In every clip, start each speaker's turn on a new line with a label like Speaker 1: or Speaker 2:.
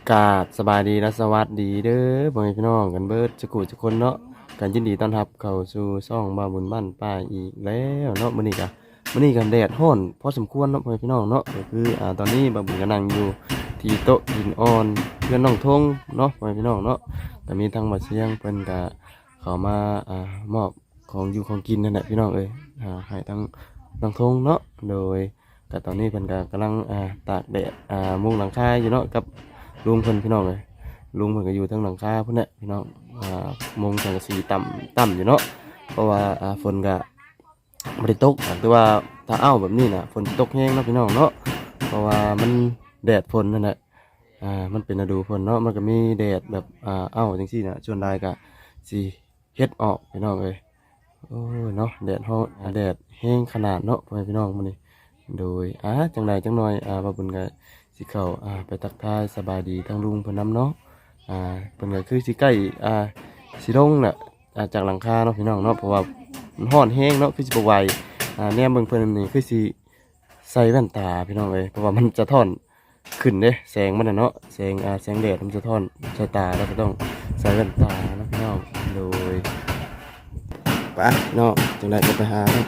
Speaker 1: กราบสบายดีและสวัสดีเด้อพ่อแม่พี่น้องกันเบิดจะกูจะคนเนาะกันยินดีต้อนรับเข้าสู่ช่องบ้าบุญบ้านป้าอีกแล้วเนาะมื้อนี้กันแดดร้อนพอสมควรเนาะพ่อแม่พี่น้องเนาะก็คือตอนนี้บ้าบุญก็นั่งอยู่ที่โต๊ะหินอ่อนเพื่อนน้องทงเนาะพ่อแม่พี่น้องเนาะก็มีทางบัดเสียงเพิ่นก็เข้ามามอบของอยู่ของกินนั่นแหละพี่น้องเอ้ยให้ทางน้องทงเนาะโดยก็ตอนนี้เพิ่นก็กำลังตากแดดมุงหลังคาอยู่เนาะกับลุงเพิ่นพี่น้องเลยลุงเพิ่นก็อยู่ทั้งหลังคาพุ่นแหละพี่น้องมุงสังกะสีต่ำอยู่เนาะเพราะว่าฝนก็บ่ได้ตกแต่ว่าถ้าอ้าวแบบนี้น่ะฝนตกแห้งเนาะพี่น้องเนาะเพราะว่ามันแดดฝนนั่นแหละมันเป็นฤดูฝนเนาะมันก็มีแดดแบบอ้าวจังซี่น่ะส่วนใดก็สิเฮ็ดออกพี่น้องเอ้ยโอ้ยเนาะแดดฮ้อนแดดแห้งขนาดเนาะพ่อแม่พี่น้องมื้อนี้โดยจังใดจังหน่อยบ่าบุญก็สิเข้าไปทักทายสบายดีทั้งลุงเพิ่นนำเนาะเพิ่นก็คือสิใกล้สิลงน่ะจากหลังคาเนาะพี่น้องเนาะเพราะว่ามันร้อนแฮงเนาะคือสิบ่ไหวแนมเบิ่งเพิ่นนี่คือสิใส่แว่นตาพี่น้องเอ้ยเพราะว่ามันจะท่อนขึ้นเด้แสงมันน่ะเนาะแสงแดดมันจะท่อนใส่ตาแล้วก็ต้องใส่แว่นตาเนาะพี่น้องโดยไปเนาะจังได๋ก็ไปหาเนาะ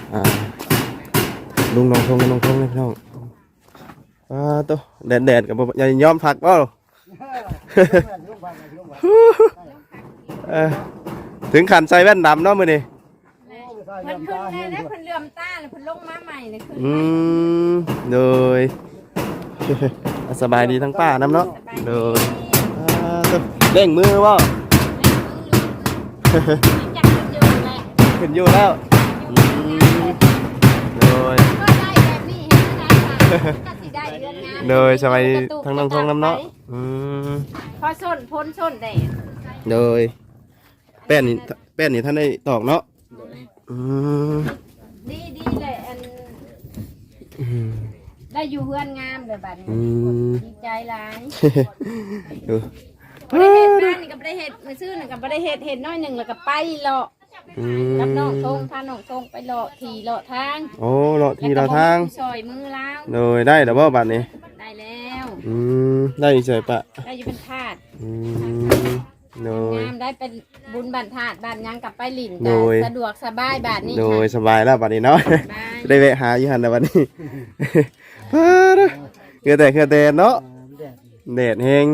Speaker 1: ลุงน้องทงเลยพี่น้องตัวแดดกับอย่ายอมผักเปล่า ถึงขันใส่แว่นดำเนาะมื้อนี้
Speaker 2: มันขึ้นได้แล้วเพิ่นเหลื่อมตาแล้วเพิ่นลงมาใหม่เลยขึ้น
Speaker 1: โดย สบายดีทั้งป้าน้ำเนาะโดยเร่งมือว่าขึ้นอยู่แล้วโดยโดยสบายทั้งน้องทงน้ำเนาะ
Speaker 2: พอส้นพ้นส้นแดด
Speaker 1: โดยแป้นนี่ท่านได้ตอกเนาะ
Speaker 2: ดีเลยอันได้อยู่เฮือนงามเลยบัดนี้ดีใจหลายบ่ได้เฮ็ดบ้านนี่ก็บ่ได้เฮ็ดมื้อซื่อนี่ก็บ่ได้เฮ็ดน้อยหนึงแล้วก็ไปเลาะกับน้องทงพาน้องทงไปเลาะที่เลาะทาง
Speaker 1: โอ้เลาะที่เลาะทาง
Speaker 2: ซอยมือล้าง
Speaker 1: โดยได้แล้วบ่บัดนี้
Speaker 2: ได้แล้ว
Speaker 1: ได้ใช่ปะ
Speaker 2: ได้อยู่เป็นทาส
Speaker 1: โดย
Speaker 2: งามได้เป็นบุญบันทาดบ้านยังกลับไปหลินสะดวกสบายแบบนี้
Speaker 1: โดยสบายแล้วบัดนี้เนาะได้แวะหาอยู่หันแล้วบัดนี้เคือแต่เนาะแดดแห้ง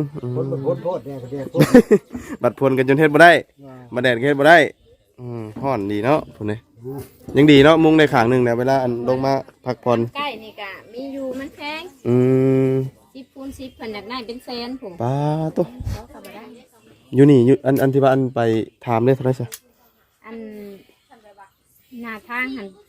Speaker 1: บัดพลกันจนเฮ็ดบ่ได้มาแดดเฮ็ดบ่ได้ฮ้อนดีเนาะพุ่นนี่ยังดีเนาะมุงในข้างนึงเนี่ยเวลาอันลงมาพักผ่อน
Speaker 2: ใกล้นี่ก็มีอยู่มันแพง10 คูณ 10เพิ่นอยากได้เป็นแสนผม
Speaker 1: ป้าโตอยู่นี่อยู่อันที่ว่าอันไปถามได้เท่าไหร่ซะ
Speaker 2: อันหน้าทางหัน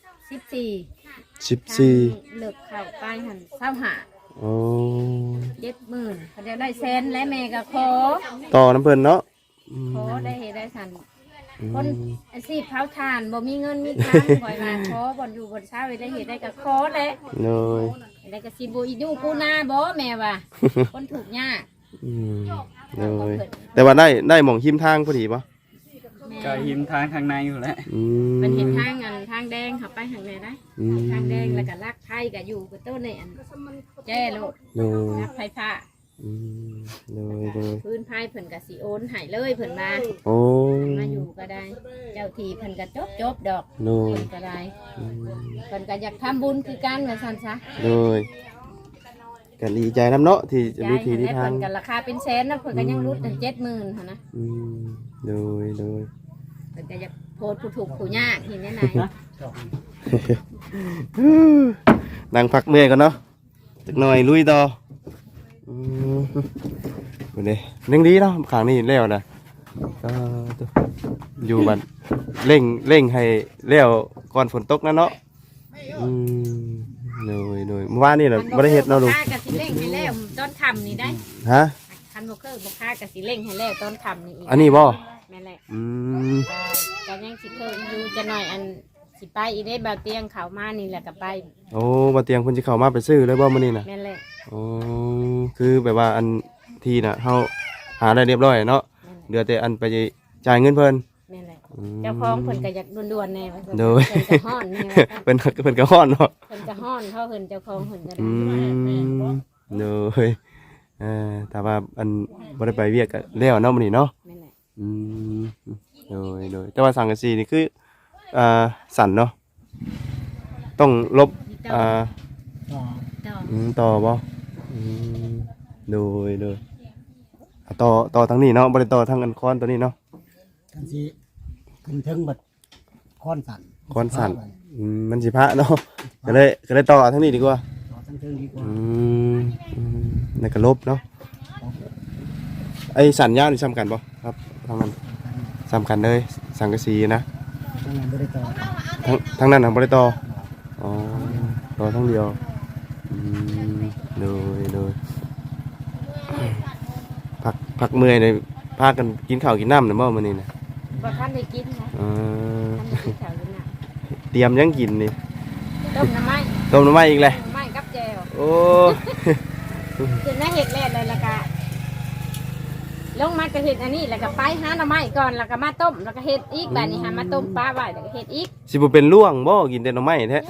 Speaker 2: 14เลิกเข้าไปหัน25โอ้70,000เขาจะได้แสนและแม่ก็ขอ
Speaker 1: ต่อน้ำเพิ่นเนาะ
Speaker 2: ขอได้เฮ็ดได้สั่นคนอาชีพเผาถ่านบ่มีเงินมีทางคอยมาขอบ่อยู่บ่เช้าได้เฮ็ดได้ก็ขอแหละ
Speaker 1: เลย
Speaker 2: ได้ก็สิบ่อีอยู่กูนาบ่แม่ว่าคนถูกยาก
Speaker 1: เลยแต่ว่าได้หม่องหิมทางพอดีป่ะ
Speaker 3: ก็หิมทางข้างในอยู่แล้ว
Speaker 2: มันเห็นทางแดงขับไปทางไหนได้ทางแดงแล้วก็ลักไผ่ก็อยู่กับต้นนี่อันแจ้โลดลักไผ่ผ้าพื้นไผ่เพิ่นก็สิโอนให้เลยเพิ่นมาอยู่ก็ได้เจ้าทีเพิ่นก็จบดอกเพิ่นก็ได้เพิ่นก็อยากทำบุญคือกันว่าซั่นซะ
Speaker 1: เลยกันดีใจน้ำเนาะที่จะมีทีที่ทาง
Speaker 2: กันราคาเป็นแสนนะเพิ่นก็ยังรุดถึง70,000หั่นนะ
Speaker 1: โดย
Speaker 2: เพิ่นก็อยากโพดผู้ถูกผู้ยากเห็นได้ไหน
Speaker 1: นั่งพักเมื่อยก่อนเนาะจักหน่อยลุยต่อคนนี้ยังดีเนาะข้างนี้แล้วนะอยู่บัดเร่งให้แล้วก่อนฝนตกนะเนาะโดยเมื่อวานนี่เราไม่ได้เห็ดเนาะลุง
Speaker 2: กะสิเร่งให้แล้วตอนทำนี่ได้
Speaker 1: ฮะ
Speaker 2: คันโบคือบุค่ากะสิเร่งให้แล้วตอนทำนี่อีก
Speaker 1: อันนี้บ่
Speaker 2: แม่แหละก็ยังสิเคยอยู่จะหน่อยอันสิไปอีได้บ่าวเตียงเขามานี่แหละกับไป
Speaker 1: โอ้บ่าวเตียงคนที่เขามาไปซื้อเลยบ่มื้อนี้น่ะ
Speaker 2: แม่แหละ
Speaker 1: คือแบบว่าอันทีน่ะเฮาหาได้เรียบร้อยเนาะเหลือแต่อันไปจ่ายเงินเพิ่น
Speaker 2: แม่แหละเจ้าของเพิ่นก็อยากด่วนๆแน่ว่า
Speaker 1: โดย
Speaker 2: เพิ่นก็ฮ้อนแน่
Speaker 1: เพิ่นก็ฮ้อนเนาะ
Speaker 2: เพิ่นก็ฮ้อนเท่าเพิ่นเจ้าของเพิ่นก็ได้
Speaker 1: โดยแต่ว่าอันบ่ได้ไปเวียกก็แล้วเนาะมื้อนี้เนาะ
Speaker 2: แม่นแหละ
Speaker 1: อืมโดยแต่ว่าสังกะสีนี่คือสั่นเนาะต้องลบ
Speaker 2: ต่อ
Speaker 1: ต่อบ่อืมโดยต่อทางนี้เนาะบ่ได้ต่อทางอันค้อนตัวนี้เนาะ
Speaker 4: กันสิขึ้นถึงบัดค้อนสั่น
Speaker 1: ค้อนสั่นมันสิพระเนาะก็เลยต่อทางนี้ดีกว่า
Speaker 4: ต่อทั้งเทิงดีกว่า
Speaker 1: นั่นก็ลบเนาะไอ้สันยาวนี่สำคัญบ่ครับทางนั้นสำคัญเลยสังกะสีนะ
Speaker 4: ทั้งนั้นบ่ได้ต่อ
Speaker 1: ทางนั้นทางบ่ได้ต่ออ๋อต่อทางเดียวโดยพักเมื่อยเลยพากันกินข้าวกินน้ำน่ะบ่มื้อนี้น่ะ
Speaker 2: บ่ทันได้กินนะ
Speaker 1: เออ
Speaker 2: ทันได้กินข้าวกินน้
Speaker 1: เตรียมยังกินนี่
Speaker 2: ำต้มน้ำไม้
Speaker 1: ต้มน้ำมันอีกเลย
Speaker 2: น้ำไม้กับแจ่ว
Speaker 1: โอ้
Speaker 2: คือน่าเห็ดแรกเลยแล้วก็ลงมาก็เห็ดอันนี้แล้วก็ไปหาหน่อไม้ก่อนแล้วก็มาต้มแล้วก็เห็ดอีกแบบนี้หามาต้มปลาไว้แล้วก็เห็ดอีก
Speaker 1: สิบ่เป็นล่วงบ่กินแต่หน่อไม้แท้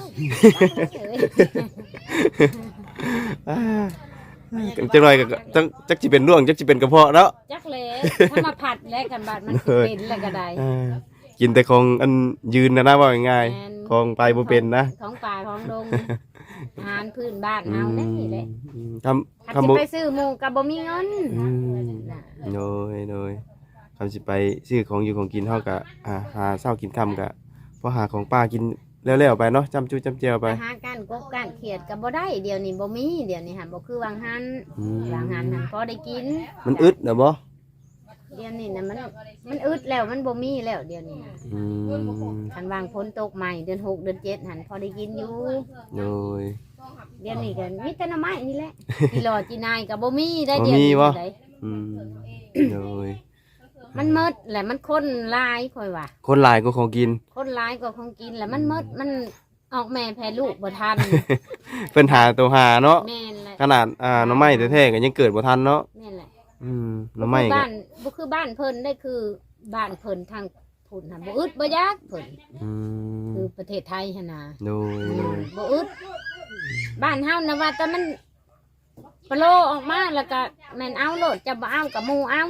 Speaker 1: จังหน่อยก็จักสิเป็นล่วงจักสิเป็นกระเพาะเนาะ
Speaker 2: จักเลยถ้ามาผัดแล้วกันบาดมันสิเป็นแล้วก็ได้
Speaker 1: กินแต่ของอันยืนนะว่าง่าย
Speaker 2: แม่น
Speaker 1: ๆของไปบ่เป็นนะ
Speaker 2: ของป่าของดงอาหารพื้นบ้านเฮาได้นี่แหละ
Speaker 1: ทำ
Speaker 2: ถ้า
Speaker 1: คำ
Speaker 2: สิ
Speaker 1: บ่
Speaker 2: ไปซื้อหมูก็บ่มีเงิน น่ะ
Speaker 1: โดยคำสิไปซื้อของอยู่ของกินเฮาก็หาเช้ากินค่ำก็พอหาของป้ากินแล้วๆไปเนาะจำจูจำเจียวไป
Speaker 2: อาหารการกบการเขียดก็บ่ได้เดี๋ยวนี้บ่มีเดี๋ยวนี้หันบ่คือวางหันวางหันหันพอได้กิน
Speaker 1: มันอึดเด้อบ่
Speaker 2: เดี๋ยวนี้นะมันอึดแล้วมันบ่มีแล้วเดี๋ยวนี้นะ
Speaker 1: อืม
Speaker 2: คันวางฝนตกใหม่เดือน6เดือน7หันพอได้กินอยู่
Speaker 1: โดย
Speaker 2: เดี๋ยวนี้ก็มีแต่หน่อไม้นี่แหละกิโลจีนายก็บ่มีได้
Speaker 1: บ่
Speaker 2: เดี๋ยว
Speaker 1: มี
Speaker 2: นี้
Speaker 1: วะ
Speaker 2: ได้
Speaker 1: อืมโดย
Speaker 2: มันหมดแหละมันคนหลายค่อยว่า
Speaker 1: คนหลายก็ของกิน
Speaker 2: คนหลายกว่าของกินแล้วมันหมดมันออกแม่แพ้ลูกบ่ทัน
Speaker 1: เพิ่นหาตัวหาเนาะ
Speaker 2: แม่นแหละ
Speaker 1: ขนาดหน่อไม้แท้ๆก็ยังเกิดบ่ทันเนาะ
Speaker 2: แม่นแหละ
Speaker 1: หน่อไม้
Speaker 2: คือ
Speaker 1: ก็
Speaker 2: บ้านบ่คือบ้านเพิ่นได้คือบ้านเพิ่นทางพุ่นน่ะบ่อึดบ่ยากเพิ่น
Speaker 1: อืม
Speaker 2: คือประเทศไทยหั่นน่ะ
Speaker 1: โดย
Speaker 2: บ่อึดบ้านเฮานะว่าแต่มันปโลออกมาแล้วก็แม่นเอาโลดจะบ่เอากับหมู่เอา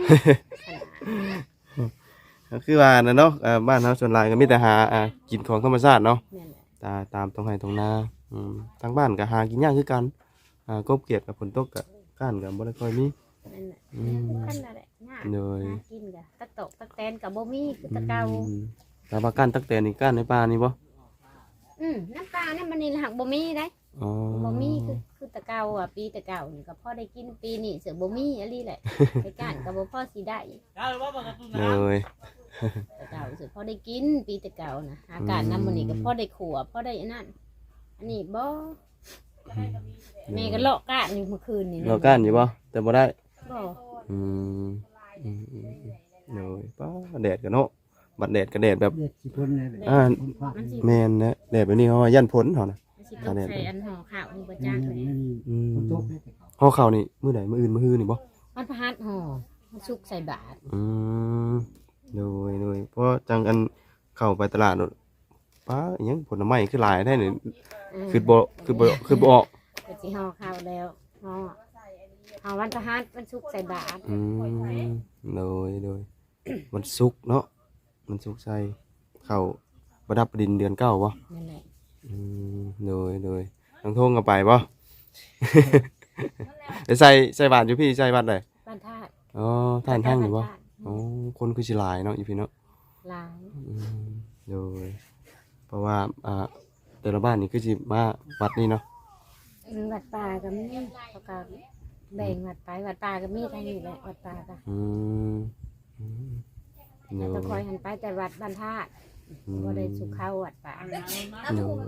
Speaker 1: ก็คือว่าน่ะเนาะบ้านเฮาส่วนหลายก็มีแต่หากินของธรรมชาติเนาะ
Speaker 2: แม่นแหละ
Speaker 1: ตามตรงไห้ตรงนาทางบ้านก็หากินยากคือกันกบเกลียดกับฝนตกก็ก้านก็บ่ได้ค่อยมี
Speaker 2: แม่นแหละ
Speaker 1: อืม
Speaker 2: คันนั่นแหละยาก
Speaker 1: โดย
Speaker 2: หากินก็ตะตกตะแตนก็บ่มีคือตะเกา
Speaker 1: แต่ว่าก้านตักแตนนี่ก้านในป่านี่บ่
Speaker 2: น้ำปลาเนี่ยมันนี่หักบ่มีได้
Speaker 1: อ๋อ
Speaker 2: บ่มีคือตะเกาอ่ะปีตะเกานี่ก็พอได้กินปีนี้เสือบ่มีอะไรแหละไปก้านก็บ่พอสิได้
Speaker 1: โดย
Speaker 2: ตะเกาเสือพอได้กินปีตะเกานะอากาศน้ำมันนี่ก็พอได้ขัวพอได้อันนั่นอันนี้บ่แม่ก็เลาะก้านนี่เมื่อคืนนี่
Speaker 1: เราก้านอยู่บ่แต่บ่ได้
Speaker 2: บ่
Speaker 1: อืมโดยป้าแดดกันเนาะบัดแดดก็แดดแบบ
Speaker 4: เด็ดสิคนเลย
Speaker 2: มันสิ
Speaker 1: แม่นนะแดดแบบนี้เฮาว่ายันพ้นเฮานะ
Speaker 2: มันสิตกใส่อันห่อข้าวนี่บ่จักเลย
Speaker 4: ตกเลย
Speaker 1: เฮาเข้านี่มื้อใดมื้ออื่นมื้อฮื้อนี่บ่
Speaker 2: มันพะหัดห่อมันสุกใส่บาตร
Speaker 1: โดยเพราะจังอันเข้าไปตลาดโดดป้าอิหยังผลไม้คือหลายได้นี่คือบ่ออก
Speaker 2: ก็สิห่อข้าวแล้วห่อวันพะหัดมันสุกใส่บาตร
Speaker 1: โดยมันสุกเนาะมันสุกใส่เข้าประดับดินเดือนเก้าบ่
Speaker 2: นั่นแหละ
Speaker 1: โดยทางทงก็ไปบ่ ไปใส่บาตรอยู่พี่ใส่บาตรได้
Speaker 2: บ้านธาตุ
Speaker 1: อ๋อท่านทางนี่บ่
Speaker 2: บ้ธตุ
Speaker 1: อ๋อคนคือสิหลายเนาะอยู่พี่เนาะ
Speaker 2: หลาย
Speaker 1: โดยเพราะว่าแต่ละบ้านนี่คือสิมาวัดนี่เนาะ
Speaker 2: วัดป่าก็มีเขาก็แบ่งวัดไปวัดป่าก็มีทางนี้แหละวัดป่าก็
Speaker 1: โด
Speaker 2: ก็
Speaker 1: ย
Speaker 2: คอยหันไปแต่วัดบ้านธาตุบ่ได้สุขเข้าวัดป่า
Speaker 1: โดย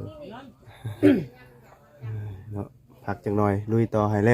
Speaker 1: เนาะพักจังหน่อยลุยต่อให้แล้ว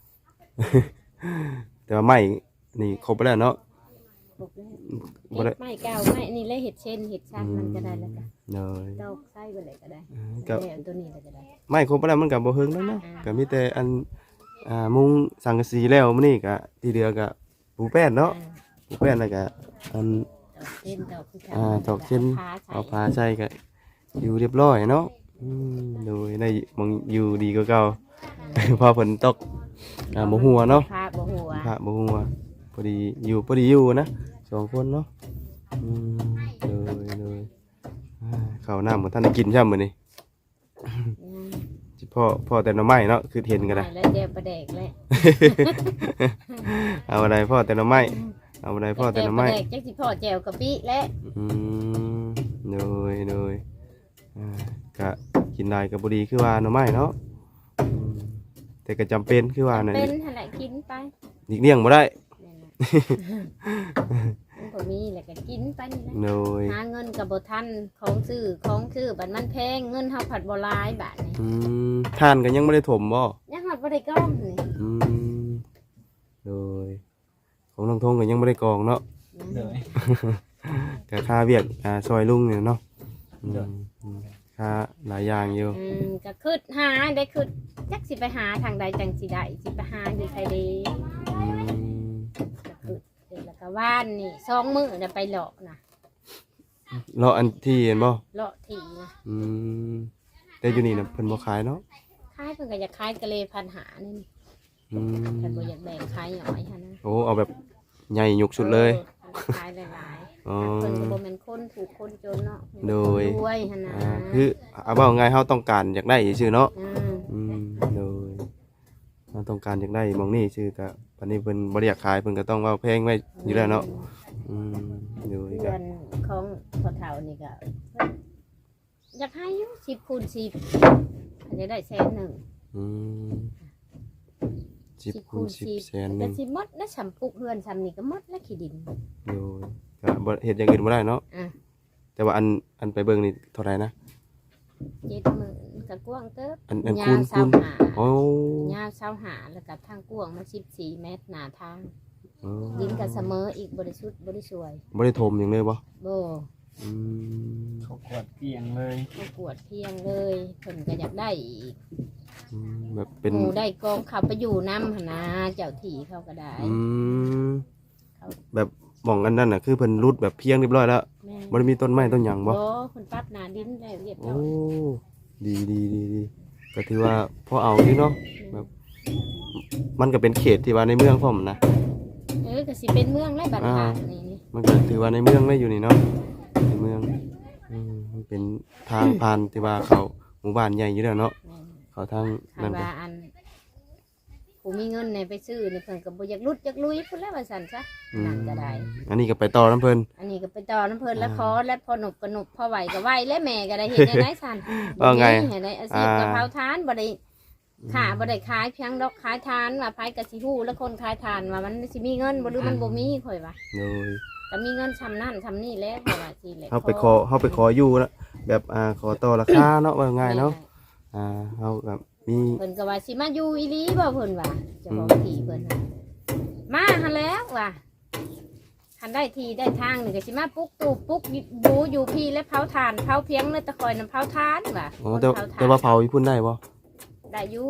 Speaker 1: แต่ว่าไม่นี่ครบไปแล้วเนาะ
Speaker 2: บอกเลยเห็ดไม้เก่าไม้นี่เลยเห็ดเช่นเห็ดชั้นมันก็ได้แล้วก็
Speaker 1: โดย
Speaker 2: ดอกไส้ไปเลยก็ได้
Speaker 1: ก็
Speaker 2: แล้วตัวนี้เลยก็ได้
Speaker 1: ไม่ครบไปแล้วมันก็บ่เฮิงแล้วเนาะก็มีแต่อันมุงสังกะสีแล้วมื้อนี้ก็ที่เหลือก็ปูแป้นเนาะปูแป้นแล้วก็อัน
Speaker 2: ดอกเช่น
Speaker 1: ดอกเช่น
Speaker 2: ผ้าใส่
Speaker 1: เอาผ้าใส่ก็อยู่เรียบร้อยเนาะโดยได้มองอยู่ดีกว่าเก่าพอฝนตกบ่หัวเนาะ
Speaker 2: พระบ่หัว
Speaker 1: พระบ่หัวพอดีอยู่นะสองคนเนาะเลยข้าวน้ำของท่านได้กินใช่มื้อนี้สิพ่อแต่หน่อไม้เนาะคือเห็นกันนะ
Speaker 2: แล้วเดี๋ยวประเดกแล้ว
Speaker 1: เอาอะไรพ่อแต่หน่อไม้เอาอะไรพ่อแต่หน่อไม้
Speaker 2: ประเดกจักสิพ่อแจวกะปิแล้ว
Speaker 1: เลยก็กินได้ก็บ่ดีคือว่าหน่อไม้เนาะแต่ก็จำเป็นคือว่านั่น
Speaker 2: เป็นหั่นแหละกินไป
Speaker 1: อีกเลี่ยงบ่ได้
Speaker 2: มันก็มีแหละก็กินไปนี่แหละ
Speaker 1: เลย
Speaker 2: หาเงินกับบ่ทันของซื้อบัดมันแพงเงินเฮาผัดบ่หลายบาทนี่
Speaker 1: ทานก็ยังไม่ได้ถมบ่
Speaker 2: ยังฮอดบ่ได้ก้อมนี่
Speaker 1: เลยของน้องทงก็ยังไม่ได้กองเนาะ
Speaker 3: โดย
Speaker 1: ก็ค่าเวียกซอยลุงเนี่ยเนาะค่าหลายอย่างอยู่
Speaker 2: ก็คิดหาได้คิดจักสิไปหาทางใดจังสิได้สิไปหาอยู่ไทยเด้ก็คิดเดี๋ยวแล้วก็ว่านนี่2มื้อน่ะไปเลาะนะ
Speaker 1: เลาะอันที่เห็นบ่
Speaker 2: เลาะที่นะ
Speaker 1: แต่อยู่นี่น่ะเพิ่นบ่ขายเนาะ
Speaker 2: ขายเพิ่นก็อยากขายกะเลพันหานี่เพิ่นบ่อยากแบ่งขายหย่อยหั่นนะ
Speaker 1: โอ้เอาแบบใหญ่ยกสุดเลย
Speaker 2: ขายหลายๆ
Speaker 1: อ๋อ
Speaker 2: เพิ่นก็บ่แม่นคนถูกคนจนเนาะ
Speaker 1: โดย
Speaker 2: รวยหั่นนะ
Speaker 1: คือเอาเว้าง่ายเฮาต้องการอยากได้ซื่อเนาะ
Speaker 2: อืม
Speaker 1: โดยเราต้องการอยากได้หมองนี่ชื่อก็วันนี้เพิ่นบ่ได้อยากขายเพิ่นก็ต้องเว้าแพงไว้อยู่แล้วเนาะโดย
Speaker 2: เดื
Speaker 1: ก็
Speaker 2: อนของพ่อเฒ่านี่ก็อยากให้อยู่10คูณ10อันนี้ได้แสนหนึ่ง
Speaker 1: 10คูณ10แสนหนึ
Speaker 2: แต่
Speaker 1: ง
Speaker 2: สิหมดแล้วสำปุกเฮือนสำนี่ก็หมดแล้วขี้ดิน
Speaker 1: โดยก็บ่เฮ็ดอย่างอื่นบ่ได้เนาะ
Speaker 2: อ่ะ
Speaker 1: แต่ว่าอันไปเบิ่งนี่เท่าไหร่นะ
Speaker 2: 70,000ก็กว้างเติบ
Speaker 1: อัน
Speaker 2: ยา
Speaker 1: คู
Speaker 2: ว
Speaker 1: ณ
Speaker 2: 25
Speaker 1: โอ้
Speaker 2: ยาว25แล้วก็ทางกว้างมา14เมตรหน้าทาง
Speaker 1: อ๋อ
Speaker 2: ดินก็เสมออีกบริสุทธิ์บริสวย
Speaker 1: บ่ได้ถมหยังเลยบ่
Speaker 2: โบ
Speaker 1: อืม
Speaker 3: เขากวดเกลียงเลย
Speaker 2: ประกวดเพียงเลยเพิ่นก็อยากได้อีก
Speaker 1: แบบเป็น
Speaker 2: หมูได้กองเขาไปอยู่น้ำหนนะเจ้าที่เขาก็ได้
Speaker 1: แบบหม่องอันนั้นน่ะคือเพิ่นรุดแบบเพียงเรียบร้อยแล้ว
Speaker 2: แม่
Speaker 1: บ่ได้มีต้นไม้ต้นหยังบ่
Speaker 2: โอ้คนปรั๊บหนาดินแล้วเรียบร้
Speaker 1: โอ้
Speaker 2: อย
Speaker 1: ดีก็ถือว่าพอเอาที่เนาะแบบมันก็เป็นเขตที่ว่าในเมืองพร้อมนะ
Speaker 2: ก็สิเป็นเมืองไรบัดผ่านนี่
Speaker 1: มันก็ถือว่าในเมืองได้อยู่นี่เนาะในเมืองมันเป็นทางผ่านที่ว่าเขาหมู่บ้านใหญ่อยู่แล้วเนาะเขาทาง
Speaker 2: คา
Speaker 1: นั่นก็
Speaker 2: ว่าอันผู้มีเงินเนี่ยไปซื้อเนี่ยเพิ่นก็บ่อยากลุดอยากลุยพุ่นแล้วว่าซั่นซะนั่นก็ได้
Speaker 1: อันนี้ก็ไปต่อน้ำเพิ่น
Speaker 2: อันนี้ก็ไปต่อน้ำเพิ่นแล้วขอแล้วพอหนุบก็หนุบพอไหวก็ไหวและแม่ก็ได้เฮ็ดได้ได้ซั่น
Speaker 1: ว่าไง
Speaker 2: เฮ็ดได้อาชีพกะเพราทานบ่ได้ค่ะบ่ได้ขายเพียงดอกขายทานว่าไผก็สิฮู้แล้วคนขายทานว่ามันสิมีเงินบ่หรือมันบ่มีข่อยว่า
Speaker 1: โดย
Speaker 2: ก็มีเงินซำนั่นซำนี่แหล้วข่อยว่าสิแหละ
Speaker 1: เฮาไปขออยู่แล้วแบบขอต่อราคาเนาะว่าง่ายเนาะเฮาแบบมี
Speaker 2: เพิ่นก็ว่าสิมาอยู่อีหลีบ่เพิ่นว่าเจะบอกที่เพิ่นน่ะมาหันแล้วว่ะหันได้ทีได้ทางนี่ก็สิมาปุ๊กตู่ปุ๊กบูอยู่พี่และเผาทานเผาเพียงเนื้อตะคอยน้ำเผาทานว่ะ
Speaker 1: อ๋อ
Speaker 2: คน
Speaker 1: แต่
Speaker 2: เผาทาน
Speaker 1: แต่ว่าเผาญี่ปุ่นได้บ่
Speaker 2: ได้อยู่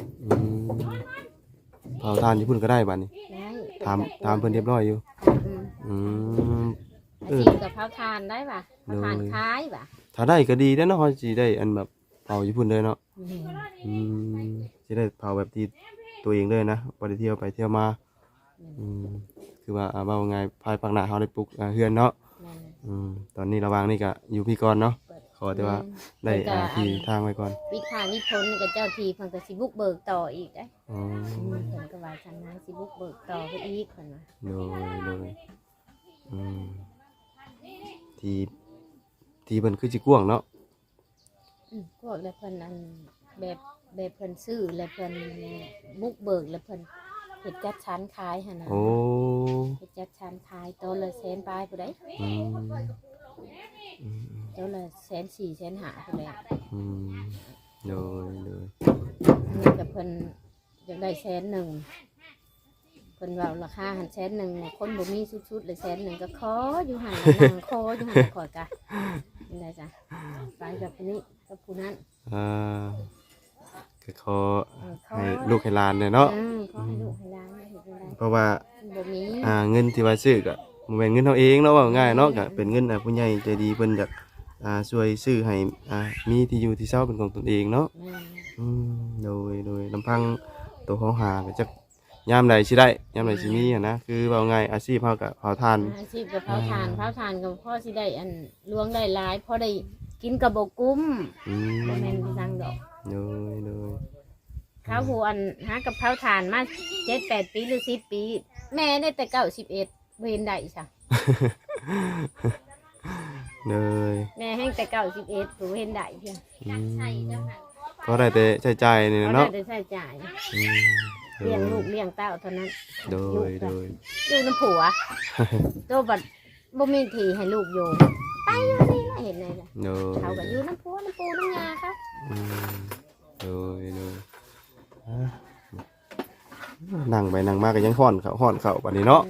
Speaker 1: เผาทานญี่ปุ่นก็ได้บัดนี้
Speaker 2: ได้
Speaker 1: ถามเพิ่นเรียบร้อยอยู่
Speaker 2: อืม
Speaker 1: อืม
Speaker 2: อาชีพกับเผาทานได้ป่ะเผาทานคล้ายป่ะ
Speaker 1: ถ้าได้ก็ดีแล้วเนาะเฮาสิได้อันแบบเผาญี่ปุ่นเลยเนาะสิได้เผาแบบที่ตัวเองเลยนะบ่ได้เที่ยวไปเที่ยวมาคือว่าเว้าง่ายภายภาคหน้าเฮาได้ปลูกเฮือนเนาะตอนนี้ระหว่างนี้ก็อยู่พี่ก่อนเนาะขอแต่ว่าได้ที่ทางไว้ก่อน
Speaker 2: วิทานิพนธ์กับเจ้าทีเพิ่นก็สิบุกเบิกต่ออีกได้
Speaker 1: อ๋อ
Speaker 2: เพิ่นก็ว่าฉันนะสิบุกเบิกต่อไปอีกเพิ่นว่า
Speaker 1: โดยที่เพิ่นคือสิกว้างเนาะ
Speaker 2: พวกแล้วเพิ่นอันแบบเพิ่นซื้อแล้วเพิ่นบุกเบิกแล้วเพิ่นเฮ็ดจัดชั้นขายหั่นน่ะ
Speaker 1: โอ้
Speaker 2: เฮ็ดจัดชั้นขายตัวละแสนปลายผู้ใดตัวละ140,000 150,000ผู้ใด
Speaker 1: โดย
Speaker 2: นี่กับเพิ่นอยากได้100,000เพิ่นเว้าราคาหัน100,000คนบ่มีสุดๆเลย100,000ก็ขออยู่หั่นนั่งขออยู่หั่นขอกะเป็นไดจ้ะไปกับผู้นี้กับผู้นั้น
Speaker 1: ก็ขอให้ลูกให้หลานเนี่ยเนาะ
Speaker 2: ขอให้ลูกให้หลานเฮ็ดจั่งใด
Speaker 1: เพราะว่า
Speaker 2: บ่มี
Speaker 1: เงินที่ว่าซื้อก็บ่แม่นเงินเฮาเองเนาะว่าง่ายเนาะก็เป็นเงินผู้ใหญ่ใจดีเพิ่นอยากช่วยซื้อให้มีที่อยู่ที่เช่าเป็นของตนเองเนาะ
Speaker 2: แม่น
Speaker 1: โดยลำพังตัวเขาหาก็จะยามใดสิได้ยามใดสิมีอะนะคือว่าไงอาชีพเฮาก็เผาถ่าน
Speaker 2: อาชีพกับเผาถ่านกับพ่อสิได้อันล้วงได้หลายพ่อได้กินกับบกุ้ม
Speaker 1: อืม
Speaker 2: บ่แม่นที่สั่งดอก
Speaker 1: โดย
Speaker 2: เขาผู้อันหากับเผาถ่านมา7-8 ปีหรือ10 ปี แม่ได้แต่91เว้นได้ซะ
Speaker 1: โดย
Speaker 2: แม่แห้งแต่91ผู้เว้นได้เพียง
Speaker 1: ก็ได้แต่ใช้จ่ายนี่
Speaker 2: เขา
Speaker 1: เนาะ
Speaker 2: ได้ใช้จ่าย
Speaker 1: อืม
Speaker 2: เลี้ยงลูกเลี้ยงเต้าเท่านั้น
Speaker 1: โดย
Speaker 2: อยู่น้ำผัวโตบัดบ่มีที่ให้ลูกอยู่ไปอยู่นี่ล่ะเห็นเลยล่ะ
Speaker 1: โดย
Speaker 2: เขาก็อยู่น้ำผัวน้ำปูน้ำยาครับ
Speaker 1: อืมโดยนั่งไปนั่งมาก็ยังห่อนเขาบัดนี้เนาะ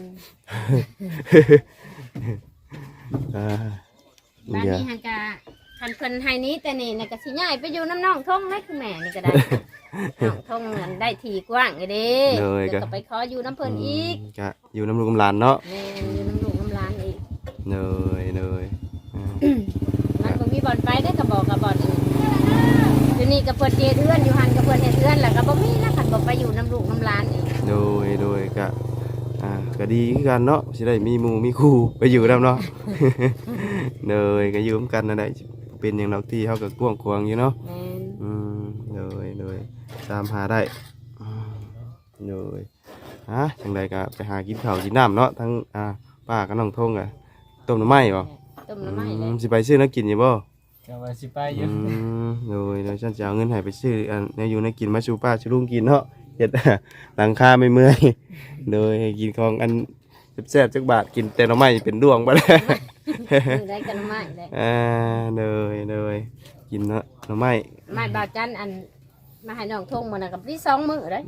Speaker 1: อ่า
Speaker 2: บ้าน
Speaker 1: เดี๋ยว
Speaker 2: นี้ฮันกะคันเพิ่นให้นี้แต่นี่น่ะก็สิย้ายไปอยู่น้ำน้องทงเลยคือแม่นี่ก็ได้ น้องทงนั่นได้ทีกว้างไงเด้เดี๋ยวก็ไปขออยู่น้ำเพิ่นอีก
Speaker 1: ก็อยู่น้ำลูกน้ำหลานเนาะ
Speaker 2: แม่อยู่น้ำลูกน้ำหลานอีก
Speaker 1: เลย
Speaker 2: มันก็มีบ่อนไปได้ก็บอกกับบ่อนอื่นอยู่นี่ก็เพิ่นเฮ็ดเฮือนอยู่หันก็เพิ่นเฮ็ดเฮือนแล้วก็บ่มีแล้วคันบ่ไปอยู่น้ำลูกน้ำหลานอีก
Speaker 1: โดยก็ดีคือกันเนาะสิได้มีหมู่มีคู่ไปอยู่นำเนาะ เลยก็อยู่ร่วมกันนั่นแหละเป็นอย่างดอกที่เฮาก็กว้างขวางอยู่เนาะ
Speaker 2: แม่น
Speaker 1: เลยตามหาได้เลยจังไดก็ไปหากินข้าวกินน้ำเนาะทั้งป้ากับน้องทงอ่ะต้มหน่อไม้บ่
Speaker 2: ต้มน้ำไม้เลย
Speaker 1: สิไปซื้อน้ำกินอยู่บ่
Speaker 3: ก็ว่าสิไปอยู่
Speaker 1: เลยฉันจะเอาเงินให้ไปซื้อแนวอยู่ในกินมาสู่ป้าสู่ลุงกินเนาะเฮ็ด หลังคาไม่เมื่อย เลยให้กินของอันแซ่บๆจักบาทกินแต่หน่อไม้เป็นดวงบ่แล้ว
Speaker 2: อยู่ได้กันน้ำไม้เลย
Speaker 1: เลยกินเนาะหน่อไม้
Speaker 2: ไม้บาวจันอันมาให้น้องทงมื้อน่ะกับที่2มื้อเลย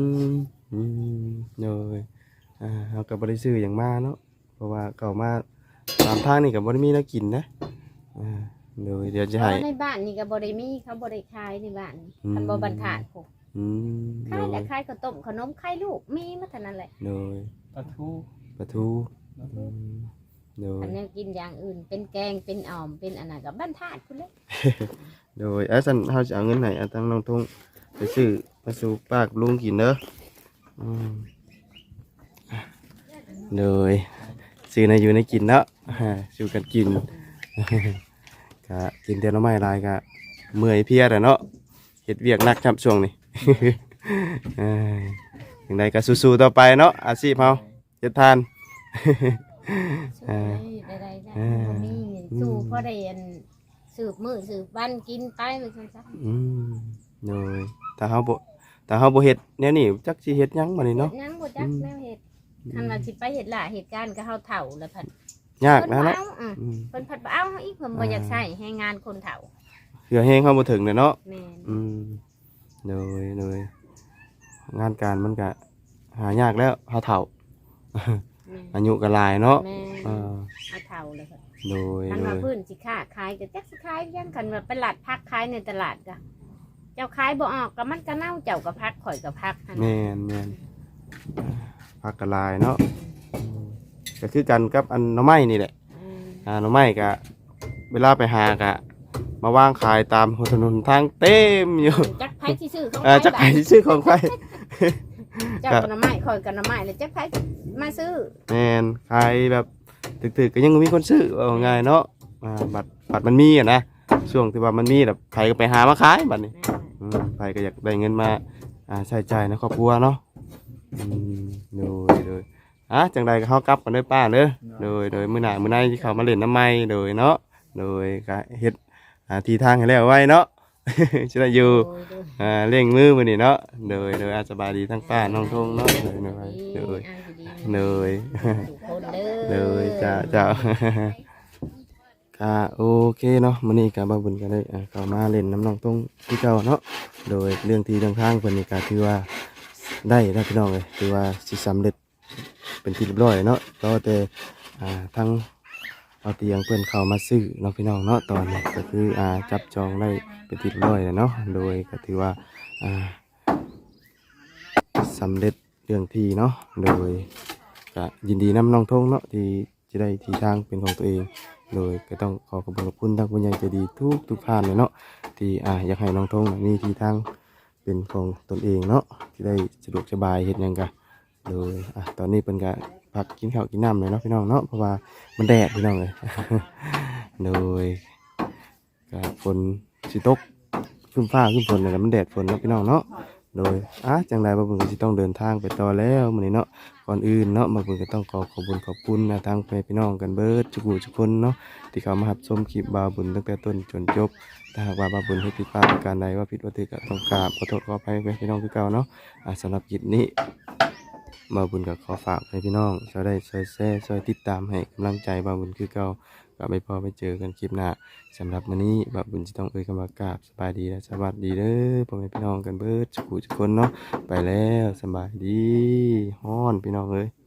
Speaker 1: เลยเฮาก็บ่ได้ซื้อหยังมาเนาะเพราะว่าเข้ามาตามทางนี่ก็บ่ได้มีแนวกินนะเลยเดี๋ยวจะให้
Speaker 2: ในบ้านนี่ก็บ่ได้มีเขาบ่ได้ขายในบ้านคันบ่บรรทัดพวก ขายแต่ขายข้าวต้มขนมขายลูกมีมาเท่านั้นแหละ
Speaker 1: เลย
Speaker 3: ปลาทู
Speaker 1: ปลาทูเลย
Speaker 2: อันนี้กินอย่างอื่นเป็นแกงเป็นอ่อมเป็นอันนั้นกับบรรทัดคุณเลย
Speaker 1: โดยสันเฮาจะเอาเงินไหนเอาทั้งน้องทงไปซื้อมาสู่ป้ากับลุงกินเด้อโดยซื้อในอยู่ในกินเนาะสู่กันกิน ก็กินแต่ละไม้ลายก็เมื่อยเพลียแต่เนาะเฮ็ดเวียกหนักครับช่วงนี้ อย่างใดก็สู้ๆต่อไปเนาะอาชีพเฮาเฮ็ดทาน
Speaker 2: ได้บ่มีสู้เพราะได้อันสืบมือสืบวันกินไปมันซั่นซะ
Speaker 1: โดยถ้าเฮาบ่เฮ็ดแนวนี้จักสิเฮ็ดหยังบัดนี้เนาะ
Speaker 2: ยังบ่จักแนวเฮ็ดคันว่าสิไปเฮ็ดหล่าเหตุการณ์ก็เฮาเฒ่าแล้วพัด
Speaker 1: ยาก
Speaker 2: เพิ่น
Speaker 1: นะ
Speaker 2: บ่
Speaker 1: เนาะ
Speaker 2: เอาเพิ่นพัดบ่เอาเฮาอีกเพิ่นบ่อยากใช้ให้งานคนเฒ่า
Speaker 1: เหือแห้งเฮาบ่ถึงเนาะ
Speaker 2: แม่น
Speaker 1: โดยงานการมันก็หายากแล้วเฮาเฒ่า อายุก็หลายเนาะ
Speaker 2: แม่
Speaker 1: เออ
Speaker 2: เอาเฒ่าแล้วพัด
Speaker 1: โดย
Speaker 2: คันว่าพื้นสิค้าขายก็จักสิขายยังคันว่าไปหลัดพักขายในตลาดก็เจ้าขายบ่ออกก็มันก็เน่าเจ้าก็พักข่อยก็พักหั่น
Speaker 1: แม่นผักก็หลายเนาะก็คือกันกับอันหน่อไม้นี่แหละหน่อไม้ก็เวลาไปหาก็มาวางขายตามหัวถนนทางเต็มอยู่
Speaker 2: จักไผสิซื้อเขา
Speaker 1: จักไผสิซื้อของไป
Speaker 2: เจ้ากันน้ำไม้ข่อยกันน้ำไม้แล้วจักไผมาซื้อ
Speaker 1: แม่นขายแบบตึกๆก็ยังมีคนซื้อว่าง่ายเนาะบัตรมันมีอ่ะนะช่วงที่ว่ามันมีแบบใครก็ไปหามาขายบัตรนี้ใครก็อยากได้เงินมาใช้จ่ายในครอบครัวเนาะโดยจังใดก็เฮากลับกันเด้อป้าเด้อโดยมื้อหน้ามื้อในที่เขามาเล่นน้ำไม้โดยเนาะโดยก็เฮ็ดทีทางให้แล้วไว้เนาะ สิได้อยู่เร่งมือมื้อนี้เนาะโดยสบายดีทั้งป้าน้องทงเนาะโดย จ้า ค่ะโอเคเนาะมื้อนี้ก็บ่าวบุญก็ได้เข้ามาเล่นน้ำน้องตรงที่เก่าเนาะโดยเรื่องที่ทางเพิ่นนี่ก็ถือว่าได้แล้วพี่น้องเอ้ยถือว่าสิสำเร็จเป็นที่เรียบร้อยเนาะรอแต่ทั้งเอาเตียงเพิ่นเข้ามาซื้อเนาะพี่น้องเนาะตอนนี้ก็คือจับจองได้เป็นที่เรียบร้อยแล้วเนาะโดยก็ถือว่าสำเร็จเรื่องที่เนาะโดยก็ยินดีนำน้องทงเนาะที่จะได้ที่ทางเป็นของตัวเองโดยก็ต้องขอขอบคุณทางผู้ใหญ่ใจดีทุกท่านเลยเนาะที่อยากให้น้องทงมีที่ทางเป็นของตนเองเนาะที่ได้สะดวกสบายเฮ็ดหยังกะโดยตอนนี้เพิ่นก็พักกินข้าวกินน้ำเลยเนาะพี่น้องเนาะเพราะว่ามันแดดพี่น้องเลย โดยก็ฝนสิตกครึ้มฟ้าครึ้มฝนเลยมันแดดฝนเนาะพี่น้องเนาะโดยจังใดบ่าวบุญก็สิต้องเดินทางไปต่อแล้วมื้อนี้เนาะก่อนอื่นเนาะบ่าวบุญก็ต้องขอบคุณนะทางพี่น้องกันเบิดทุกคนเนาะที่เข้ามารับชมคลิปบ่าวบุญตั้งแต่ต้นจนจบถ้าหากว่าบ่าวบุญเฮ็ดผิดพลาดประการใดว่าผิดว่าถูกก็ต้องกราบขอโทษขออภัยพี่น้องคือเก่าเนาะสำหรับคลิปนี้บ่าวบุญก็ขอฝากให้พี่น้องช่วยได้ช่วยแชร์ช่วยติดตามให้กำลังใจบ่าวบุญคือเก่าก็ไปพอไปเจอกันคลิปหน้าสำหรับมื้อนี้บ่าวบุญจะต้องคำว่ากราบสบายดีและสวัสดีเด้อพ่อแม่พี่น้องกันเบิดทุกคนเนาะไปแล้วสบายดีฮ้อนพี่น้องเอ้ย